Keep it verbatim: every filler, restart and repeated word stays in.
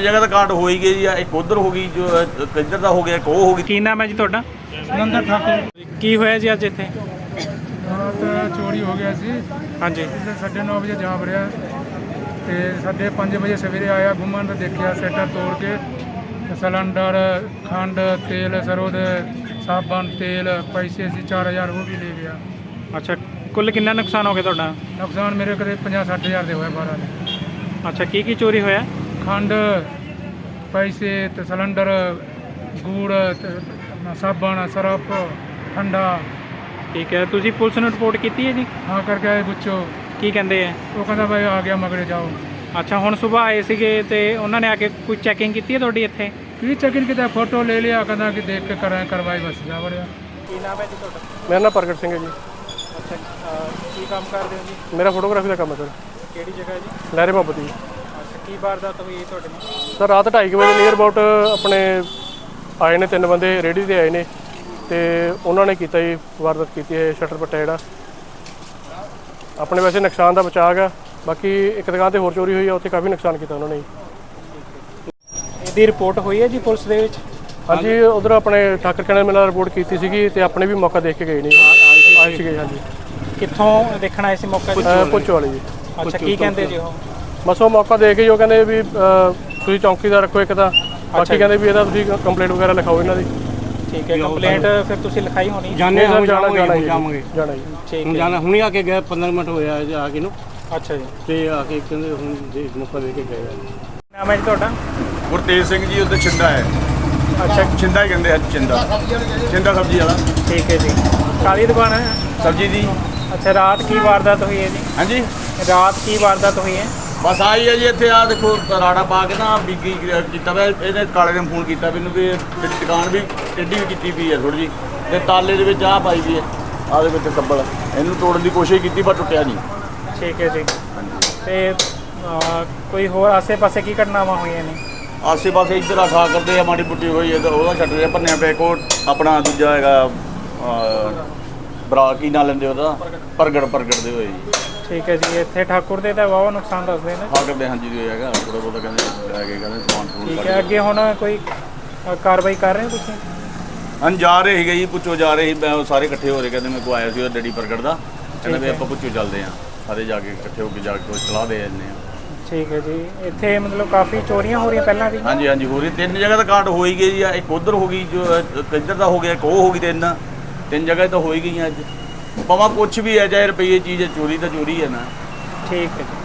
ਤਿੰਨ ਜਗ੍ਹਾ ਤਾਂ ਕਾਟ ਹੋ ਹੀ ਗਈ ਜੀ। ਇੱਕ ਉਧਰ ਹੋ ਗਈ, ਜੋ ਇੱਧਰ ਦਾ ਹੋ ਗਿਆ, ਇੱਕ ਉਹ ਹੋ ਗਈ। ਕੀ ਨਾਮ ਹੈ ਜੀ ਤੁਹਾਡਾ? ਸੁਰਿੰਦਰ ਠਾਕੁਰ। ਕੀ ਹੋਇਆ ਜੀ ਅੱਜ ਇੱਥੇ? ਰਾਤ ਚੋਰੀ ਹੋ ਗਿਆ ਸੀ। ਹਾਂਜੀ। ਇੱਥੇ ਸਾਢੇ ਨੌ ਵਜੇ ਜਾ ਵੜਿਆ ਤੇ ਸਾਢੇ ਪੰਜ ਵਜੇ ਸਵੇਰੇ ਆਇਆ, ਘੁੰਮਣ ਦਾ ਦੇਖਿਆ ਸੈਟਰ ਤੋੜ ਕੇ ਸਿਲੰਡਰ, ਖੰਡ, ਤੇਲ, ਸਰੋਂ ਦੇ ਸਾਬਣ, ਤੇਲ, ਪੈਸੇ ਸੀ ਚਾਰ ਹਜ਼ਾਰ ਉਹ ਵੀ ਲੈ ਗਿਆ। ਅੱਛਾ, ਕੁੱਲ ਕਿੰਨਾ ਨੁਕਸਾਨ ਹੋ ਗਿਆ ਤੁਹਾਡਾ? ਨੁਕਸਾਨ ਮੇਰੇ ਕਦੇ ਪੰਜਾਹ ਸੱਠ ਹਜ਼ਾਰ ਦੇ ਹੋਇਆ ਬਾਰਾਂ ਦੇ। ਅੱਛਾ, ਕੀ ਕੀ ਚੋਰੀ ਹੋਇਆ? ਖੰਡ, ਪੈਸੇ ਤੇ ਸਿਲੰਡਰ, ਗੁੜ ਤੇ ਆਪਣਾ ਸਾਬਣ, ਸਰਫ, ਠੰਡਾ। ਠੀਕ ਹੈ, ਤੁਸੀਂ ਪੁਲਿਸ ਨੂੰ ਰਿਪੋਰਟ ਕੀਤੀ ਹੈ ਜੀ? ਹਾਂ ਕਰਕੇ ਆਏ ਪੁੱਛੋ, ਕੀ ਕਹਿੰਦੇ ਆ? ਉਹ ਕਹਿੰਦਾ ਭਾਈ ਆ ਗਿਆ ਮਗਰੇ ਜਾਓ। ਅੱਛਾ, ਹੁਣ ਸਵੇਰ ਆਏ ਸੀਗੇ ਤੇ ਉਹਨਾਂ ਨੇ ਆ ਕੇ ਕੋਈ ਚੈਕਿੰਗ ਕੀਤੀ ਹੈ ਤੁਹਾਡੀ ਇੱਥੇ? ਕੀ ਚੈਕਿੰਗ ਕੀਤਾ, ਫੋਟੋ ਲੈ ਲਿਆ, ਕਹਿੰਦਾ ਕਿ ਦੇਖ ਕੇ ਕਰਾਂ ਕਰਵਾਈ, ਬਸ ਜਾ ਵੜਿਆ। ਕੀ ਨਾਮ ਹੈ ਜੀ ਤੁਹਾਡਾ? ਮੇਰਾ ਨਾਮ ਪ੍ਰਗਟ ਸਿੰਘ ਹੈ ਜੀ। ਅੱਛਾ, ਕੀ ਕੰਮ ਕਰਦੇ ਹੋ ਜੀ? ਮੇਰਾ ਫੋਟੋਗ੍ਰਾਫੀ ਦਾ ਕੰਮ ਹੈ ਸਰ। ਕਿਹੜੀ ਜਗ੍ਹਾ ਜੀ? ਲਹਿਰੇ ਮੁਹੱਬਤ ਜੀ। ਅੱਛਾ, ਕੀ ਵਾਰਦਾਤ ਹੋਈ ਤੁਹਾਡੇ ਨਾਲ? ਸਰ ਰਾਤ ਢਾਈ ਕੁ ਵਜੇ ਨੀਅਰ ਅਬਾਊਟ ਆਪਣੇ ਆਏ ਨੇ ਤਿੰਨ ਬੰਦੇ, ਰੇਹੜੀ 'ਤੇ ਆਏ ਨੇ ਤੇ ਉਹਨਾਂ ਨੇ ਕੀਤਾ ਜੀ ਵਾਰਦਾਤ ਕੀਤੀ ਹੈ। ਸ਼ਟਰ ਪੱਟਿਆ ਜਿਹੜਾ ਆਪਣੇ, ਵੈਸੇ ਨੁਕਸਾਨ ਦਾ ਬਚਾਅ ਗਾ, ਬਾਕੀ ਇੱਕ ਦੁਕਾਨ 'ਤੇ ਹੋਰ ਚੋਰੀ ਹੋਈ ਆ, ਉੱਥੇ ਕਾਫੀ ਨੁਕਸਾਨ ਕੀਤਾ ਉਹਨਾਂ ਨੇ ਜੀ। ਇਹਦੀ ਰਿਪੋਰਟ ਹੋਈ ਹੈ ਜੀ ਪੁਲਿਸ ਦੇ ਵਿੱਚ? ਹਾਂਜੀ, ਉਧਰ ਆਪਣੇ ਠਾਕਰ ਕੈਨਲ ਮੇਲਾ ਰਿਪੋਰਟ ਕੀਤੀ ਸੀਗੀ ਤੇ ਆਪਣੇ ਵੀ ਮੌਕਾ ਦੇਖ ਕੇ ਗਏ ਨੇ, ਆਏ ਸੀਗੇ। ਹਾਂਜੀ। ਕਿੱਥੋਂ ਦੇਖਣ ਆਏ ਸੀ ਮੌਕਾ ਜੀ? ਪੁੱਛੋ ਵਾਲੇ ਜੀ। ਅੱਛਾ, ਕੀ ਕਹਿੰਦੇ ਜੀ ਉਹ? ਬਸ ਉਹ ਮੌਕਾ ਦੇਖ ਕੇ ਉਹ ਕਹਿੰਦੇ ਵੀ ਅ, ਤੁਸੀਂ ਚੌਂਕੀਦਾਰ ਰੱਖੋ ਇੱਕ ਤਾਂ, ਬਾਕੀ ਕਹਿੰਦੇ ਵੀ ਇਹਦਾ ਤੁਸੀਂ ਕੰਪਲੇਂਟ ਵਗੈਰਾ ਲਿਖਾਓ ਇਹਨਾਂ ਦੀ। ਠੀਕ ਹੈ, ਕੰਪਲੇਂਟ ਫਿਰ ਤੁਸੀਂ ਲਿਖਾਈ ਹੋਣੀ? ਜਾਣੇ ਸਰ, ਜਾਣਾ ਜਾਣਾ ਜੀ, ਜਾਵਾਂਗੇ ਜਾਣਾ ਜੀ। ਠੀਕ ਹੁਣ ਹੈ। ਜਾਣਾ, ਹੁਣੇ ਆ ਕੇ ਗਏ, ਪੰਦਰਾਂ ਮਿੰਟ ਹੋਇਆ ਆ ਕੇ ਨੂੰ, ਅੱਛਾ ਜੀ। ਤੇ ਆ ਕੇ ਕਹਿੰਦੇ ਹੁਣ ਦੇ ਮੌਕਾ ਦੇ ਕੇ ਗਏ ਆ। ਨਾਮ ਹੈ ਜੀ ਤੁਹਾਡਾ? ਗੁਰਤੇਜ ਸਿੰਘ ਜੀ, ਉੱਧਰ ਛਿੰਦਾ ਹੈ। ਅੱਛਾ, ਛਿੰਦਾ ਹੀ ਕਹਿੰਦੇ ਆ, ਛਿੰਦਾ ਛਿੰਦਾ ਸਬਜ਼ੀ ਵਾਲਾ। ਠੀਕ ਹੈ ਜੀ। ਕਾਲੀ ਦੁਕਾਨ ਹੈ ਸਬਜ਼ੀ ਦੀ। ਅੱਛਾ, ਰਾਤ ਕੀ ਵਾਰਦਾਤ ਹੋਈ ਹੈ ਜੀ? ਹਾਂਜੀ, ਰਾਤ ਕੀ ਵਾਰਦਾਤ ਹੋਈ ਹੈ? ਬਸ ਆਈ ਹੈ ਜੀ। ਇੱਥੇ ਆ ਦੇਖੋ ਰਾੜਾ ਪਾ ਕੇ ਨਾ ਬੀਗੀ ਕੀਤਾ ਵਾ ਇਹਨੇ, ਕਾਲੇ ਨੇ ਫੋਨ ਕੀਤਾ ਮੈਨੂੰ ਵੀ ਮੇਰੀ ਦੁਕਾਨ ਵੀ ਟੇਢੀ ਵੀ ਕੀਤੀ ਪਈ ਹੈ ਥੋੜ੍ਹੀ ਜਿਹੀ, ਤੇ ਤਾਲੇ ਦੇ ਵਿੱਚ ਆਹ ਪਾਈ ਵੀ ਹੈ, ਆਹ ਦੇ ਵਿੱਚ ਕੱਬਲ, ਇਹਨੂੰ ਤੋੜਨ ਦੀ ਕੋਸ਼ਿਸ਼ ਕੀਤੀ ਪਰ ਟੁੱਟਿਆ ਨਹੀਂ। ਠੀਕ ਹੈ ਜੀ। ਤੇ ਅਹ, ਕੋਈ ਹੋਰ ਆਸੇ-ਪਾਸੇ ਕੀ ਘਟਨਾਵਾਂ ਹੋਈਆਂ ਨੇ? ਆਸੇ ਪਾਸੇ ਇੱਧਰ ਆ ਖਾ ਕਰਦੇ ਆ, ਮਾੜੀ ਬੁੱਟੀ ਹੋਈ ਹੈ ਤਾਂ ਉਹਦਾ ਛੱਡ ਰਿਹਾ ਭੰਨਿਆ ਪਿਆ। ਇੱਕ ਉਹ ਆਪਣਾ ਦੂਜਾ ਹੈਗਾ ਬਰਾ, ਕੀ ਨਾਂ ਲੈਂਦੇ ਉਹਦਾ, ਪ੍ਰਗਟ ਪ੍ਰਗਟ ਦੇ ਹੋਏ ਜੀ। ਠੀਕ ਹੈ ਜੀ। ਇੱਥੇ ਠਾਕੁਰ ਦੇ ਤਾਂ ਵਾਹਵਾ ਨੁਕਸਾਨ ਦੱਸਦੇ ਨੇ। ਖਾ ਕਰਦੇ ਹਾਂਜੀ ਜੀ, ਹੈਗਾ ਥੋੜਾ ਬਹੁਤਾ ਕਹਿੰਦੇ ਲੈ ਕੇ ਕਹਿੰਦੇ ਸਮਾਨ ਸਮੂਨ ਠੀਕ ਕੱਢ ਹੈ, ਕੇ। ਅੱਗੇ ਹੁਣ ਕੋਈ ਅ, ਕਾਰਵਾਈ ਕਰ ਰਹੇ ਹੋ ਤੁਸੀਂ? ਹਾਂ, ਜਾ ਰਹੇ ਸੀਗੇ ਜੀ, ਪੁੱਛੋ ਜਾ ਰਹੇ ਸੀ। ਮੈਂ ਉਹ ਸਾਰੇ ਇਕੱਠੇ ਹੋ ਰਹੇ, ਕਹਿੰਦੇ ਮੇਰੇ ਕੋਲ ਆਇਆ ਸੀ ਉਹ ਡੈਡੀ ਪ੍ਰਗਟ ਦਾ, ਕਹਿੰਦਾ ਵੀ ਆਪਾਂ ਪੁੱਛੋ ਚੱਲਦੇ ਹਾਂ, ਸਾਰੇ ਜਾ ਕੇ ਇਕੱਠੇ ਹੋ ਕੇ ਜਾ ਕੇ ਸਲਾਹ ਦੇ ਜਾਂਦੇ ਹਾਂ। ਠੀਕ ਹੈ ਜੀ। ਇੱਥੇ ਮਤਲਬ ਕਾਫੀ ਚੋਰੀਆਂ ਹੋ ਰਹੀਆਂ ਪਹਿਲਾਂ ਵੀ? ਹਾਂਜੀ ਹਾਂਜੀ, ਹੋ ਰਹੀ। ਤਿੰਨ ਜਗ੍ਹਾ ਤਾਂ ਕਾਟ ਹੋ ਹੀ ਗਈ ਜੀ। ਇੱਕ ਉਧਰ ਹੋ ਗਈ, ਜੋ ਇੱਧਰ ਦਾ ਹੋ ਗਿਆ, ਇੱਕ ਉਹ ਹੋ ਗਈ। ਤਿੰਨ ਤਿੰਨ ਜਗ੍ਹਾ ਤਾਂ ਹੋ ਹੀ ਗਈਆਂ ਅੱਜ। ਭਾਵੇਂ ਕੁਛ ਵੀ ਹੈ, ਚਾਹੇ ਰੁਪਈਏ ਚੀਜ਼ ਹੈ, ਚੋਰੀ ਤਾਂ ਚੋਰੀ ਹੈ ਨਾ। ਠੀਕ ਹੈ ਜੀ।